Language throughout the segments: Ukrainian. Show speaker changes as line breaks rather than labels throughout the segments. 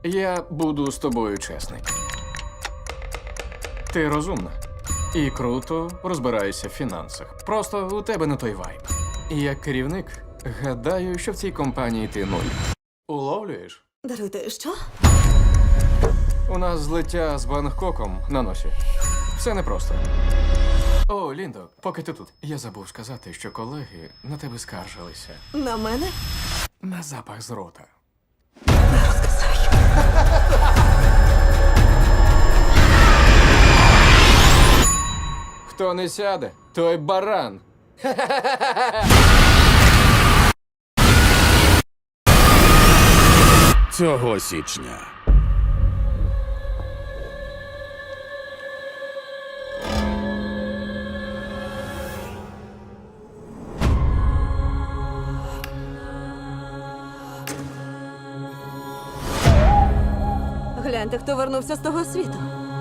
Я буду з тобою чесний. Ти розумна і круто розбираєшся в фінансах. Просто у тебе не той вайб. І як керівник, гадаю, що в цій компанії ти нуль. Уловлюєш?
Даруйте, що?
У нас злиття з Бангкоком на носі. Все непросто. О, Ліндо, поки ти тут. Я забув сказати, що колеги на тебе скаржилися.
На мене?
На запах з рота. Хто не сяде, той баран.
Цього січня.
Гляньте, хто вернувся з того світу.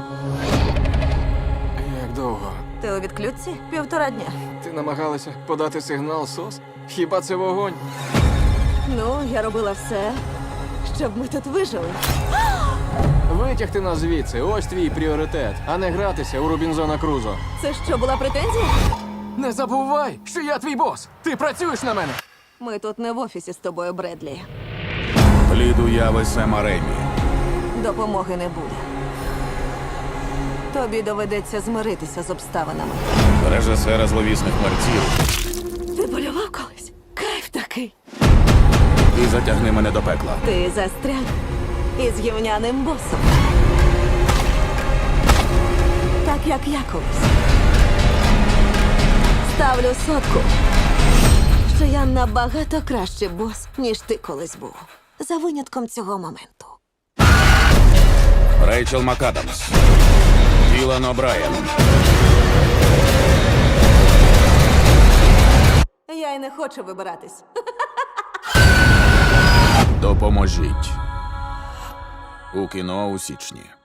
Як довго?
Ти у відключці? 1,5 дня.
Ти намагалася подати сигнал СОС? Хіба це вогонь?
Ну, я робила все, щоб ми тут вижили.
Витягти нас звідси, ось твій пріоритет, а не гратися у Рубінзона Крузо.
Це що, була претензія?
Не забувай, що я твій бос! Ти працюєш на мене!
Ми тут не в офісі з тобою, Бредлі.
Плід уяви Сема Ремі.
Допомоги не буде. Тобі доведеться змиритися з обставинами.
Режисера зловісних мерців.
Ти полював колись? Кайф такий.
І затягни мене до пекла.
Ти застряг із гівняним босом. Так, як я колись. Ставлю сотку, що я набагато кращий бос, ніж ти колись був. За винятком цього моменту.
Рейчел МакАдамс. Ілан О'Брайен.
Я й не хочу вибиратись.
Допоможіть. У кіно у січні.